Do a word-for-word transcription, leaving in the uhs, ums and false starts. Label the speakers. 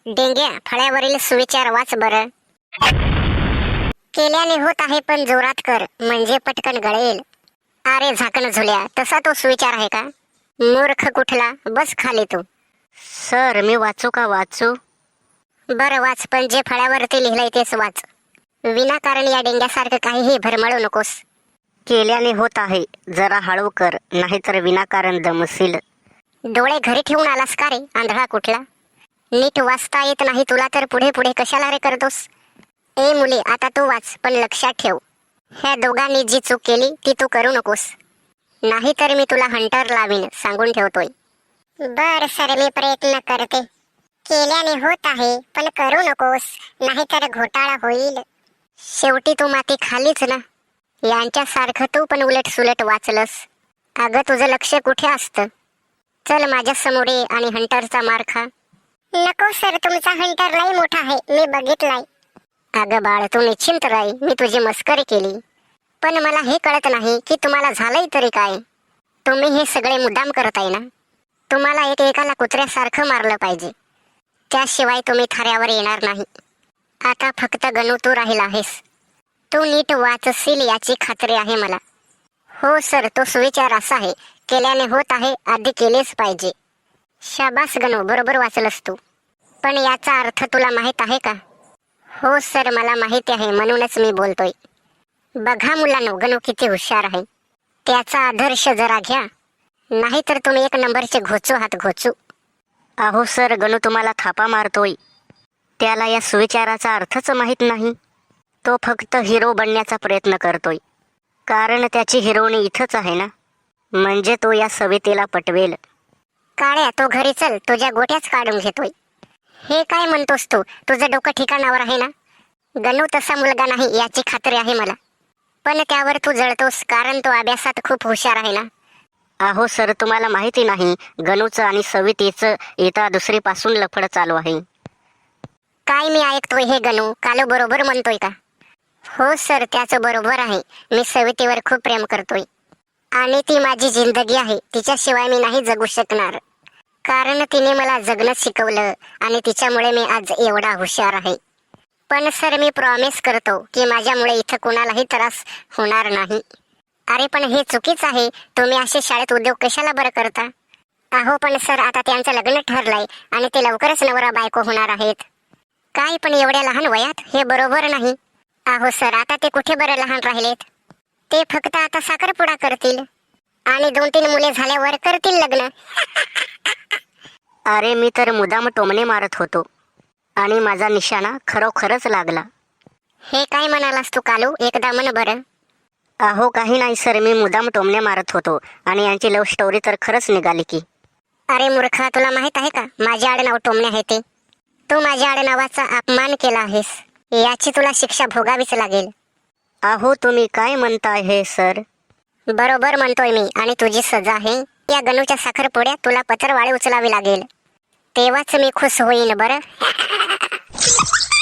Speaker 1: डेंग्या फळ्यावरील सुविचार वाच बरं. केल्याने होत आहे पण जोरात कर म्हणजे पटकन गळेल. अरे झाकण झुल्या, तसा तो सुविचार आहे का? मूर्ख कुठला, बस खाली तू.
Speaker 2: सर मी वाचू का वाचू?
Speaker 1: बरं वाच, पण जे फळ्यावरती लिहिलंय तेच वाच. विनाकारण या डेंग्यासारखं काहीही भरमळू नकोस.
Speaker 2: केल्याने होत आहे, जरा हळू कर नाहीतर विनाकारण दमशील.
Speaker 1: डोळे घरी ठेवून आलास का रे आंधळा कुठला? नीट वाचता येत नाही तुला तर पुढे पुढे कशाला रे करतोस? ए मुली, आता तू वाच, पण लक्षात ठेव, ह्या दोघांनी जी चूक केली ती तू करू नकोस, नाहीतर मी तुला हंटर लावीन, सांगून ठेवतोय. बर सर, मी प्रयत्न करते. केल्याने होत आहे पण करू नकोस, नाहीतर घोटाळा होईल. शेवटी तू माती खालीच ना. यांच्यासारखं तू पण उलट सुलट वाचलंस. अगं तुझं लक्ष कुठे असतं? चल माझ्या समोर ये आणि हंटरचा मार खा. नको सर, तुमचा हंटर लई मोठा आहे, मी बघितलाय. अगं बाळ, तू निश्चिंत राही, मी तुझी मस्करी केली. पण मला हे कळत नाही की तुम्हाला झालंय तरी काय. तुम्ही हे सगळे मुद्दाम करताय ना? तुम्हाला एक एकाला कुत्र्यासारखं मारलं पाहिजे, त्याशिवाय तुम्ही थाऱ्यावर येणार नाही. आता फक्त गणू तू राहिला आहेस. तू नीट वाचशील याची खात्री आहे मला. हो सर, तो सुविचार असा आहे, केल्याने होत आहे आधी केलेच पाहिजे. शाबास गणू, बरोबर वाचलंस तू. पण याचा अर्थ तुला माहित आहे का? हो सर, मला माहिती आहे, म्हणूनच मी बोलतोय. बघा मुलांनो, गणू किती हुशार आहे. त्याचा आदर्श जरा घ्या, नाहीतर तुम्ही एक नंबरचे घोचू आहात, घोचू.
Speaker 2: अहो सर, गणू तुम्हाला थापा मारतोय. त्याला या सुविचाराचा अर्थच माहीत नाही. तो फक्त हिरो बनण्याचा प्रयत्न करतोय, कारण त्याची हिरोनी इथंच आहे ना. म्हणजे तो या सवितेला पटवेल.
Speaker 1: काळ्या, तो घरी चल, तुझ्या गोट्याच काढून घेतोय. हे काय म्हणतोस तू? तुझं डोकं ठिकाणावर आहे ना? गणू तसा मुलगा नाही याची खात्री आहे मला, पण त्यावर तू जळतोस कारण तो अभ्यासात खूप हुशार आहे ना.
Speaker 2: अहो सर, तुम्हाला माहिती नाही, गणूचं आणि सवितेचं येता दुसरीपासून लफड चालू आहे.
Speaker 1: काय मी ऐकतोय हे गणू कालू बरोबर म्हणतोय का? हो सर, त्याचं बरोबर आहे. मी सवितेवर खूप प्रेम करतोय आणि ती माझी जिंदगी आहे. तिच्याशिवाय मी नाही जगू शकणार, कारण तिने मला जगणं शिकवलं आणि तिच्यामुळे मी आज एवढा हुशार आहे. पण सर, मी प्रॉमिस करतो की माझ्यामुळे इथं कोणालाही त्रास होणार नाही. अरे पण हे चुकीच आहे, तुम्ही असे शाळेत उद्योग कशाला बरं करता? अहो पण सर, आता त्यांचं लग्न ठरलंय आणि ते लवकरच नवरा बायको होणार आहेत. काय पण एवढ्या लहान वयात? हे बरोबर नाही. अहो सर, आता ते कुठे बरं लहान राहिलेत. ते फक्त आता साखरपुडा करतील आणि दोन तीन मुले झाल्यावर करतील लग्न.
Speaker 2: अरे मी तर मुदाम टोमणे मारत होतो आणि माझा निशाणा खरोखरच लागला.
Speaker 1: हे काय म्हणालास तू कालू? एकदा म्हण बरं.
Speaker 2: अहो काही नाही सर, मी मुदाम टोमणे मारत होतो आणि यांची लव्ह स्टोरी तर खरंच निघाली की.
Speaker 1: अरे मूर्खा, तुला माहित आहे का माझे आडनाव टोमणे आहे ते? तू माझ्या आडनावाचा अपमान केला आहेस, याची तुला शिक्षा भोगावीच लागेल.
Speaker 2: अहो तुम्ही काय म्हणताय हे सर?
Speaker 1: बरोबर म्हणतोय मी, आणि तुझी सजा आहे, या गणूच्या साखरपुड्यात तुला पत्रवाळी उचलावी लागेल. तेव्हाच मी खुश होईन बरं.